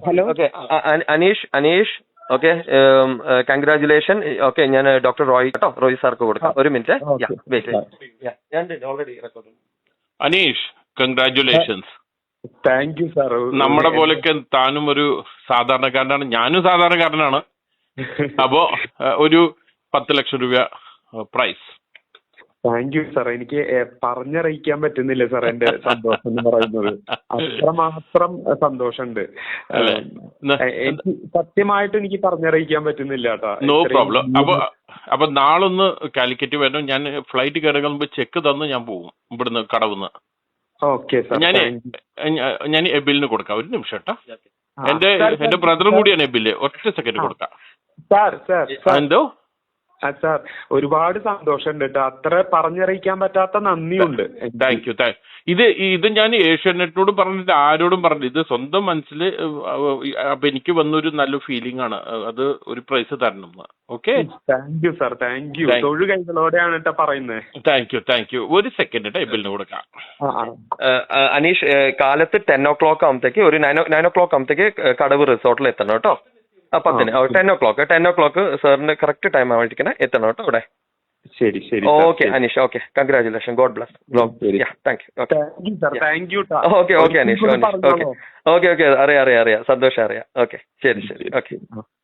Hello. Okay Aneesh okay, congratulation. Okay, ഞാൻ doctor Roy കേട്ടോ, റോയ് സാർക്ക് കൊടുക്കാം. ഒരു minute. Already record. Aneesh, congratulations. Thank you sir. നമ്മുടെ പോലൊക്കെ താനും ഒരു സാധാരണക്കാരനാണ്, ഞാനും സാധാരണക്കാരനാണ്. അപ്പോ ഒരു 10 ലക്ഷം രൂപ പ്രൈസ്. Thank you sir. എനിക്ക് പറഞ്ഞറിയിക്കാൻ പറ്റുന്നില്ല സാർ എന്റെ സന്തോഷം എന്ന് പറയുന്നത്. അത്രമാത്രം സന്തോഷമുണ്ട്. എനിക്ക് സത്യമായിട്ട് എനിക്ക് പറഞ്ഞറിയിക്കാൻ പറ്റുന്നില്ല കേട്ടോ. No problem. അപ്പൊ നാളൊന്ന് കാലിക്കറ്റ് വരണം. ഞാൻ ഫ്ലൈറ്റ് കയറുമ്പോൾ ചെക്ക് തന്ന് ഞാൻ പോകും ഇവിടുന്ന് കടവുന്ന്. Okay sir. ഞാൻ എബിലിന് കൊടുക്കാം. ഒരു നിമിഷം കേട്ടോ. എന്റെ ബ്രദറും കൂടിയാണ് എബില്. ഒറ്റ സെക്കൻഡ് കൊടുക്കാം. എന്തോ സാർ, ഒരുപാട് സന്തോഷമുണ്ട് കേട്ടോ. അത്ര പറഞ്ഞറിയിക്കാൻ പറ്റാത്ത നന്ദിയുണ്ട്. Thank you. ഇത് ഞാൻ ഏഷ്യാനെറ്റിനോട് പറഞ്ഞിട്ട് ആരോടും പറഞ്ഞില്ല. ഇത് സ്വന്തം മനസ്സിൽ. അപ്പൊ എനിക്ക് വന്നൊരു നല്ല ഫീലിംഗ് ആണ്. അത് ഒരു പ്രൈസ് തരണം. Okay, thank you sir. Thank you. തൊഴു കൈകളോടെയാണ് കേട്ടോ പറയുന്നത്. Thank you. ഒരു സെക്കൻഡ് എബിലിന് കൊടുക്കാം. അനീഷ്, കാലത്ത് 10 o'clock ആകുമ്പത്തേക്ക്, ഒരു 9 o'clock ആകുമ്പത്തേക്ക് കടവ് റിസോർട്ടിൽ എത്തണം കേട്ടോ. 10 10 o'clock സാറിന് കറക്റ്റ് ടൈം ആവാണ്ടിരിക്കണേ, എത്തണം കേട്ടോ അവിടെ. ശരി ശരി. Okay Aneesh. Okay, congratulation. God bless. Thank you. Okay Aneesh. Okay അറിയാം. സന്തോഷം അറിയാം. ഓക്കെ, ശരി. ഓക്കെ.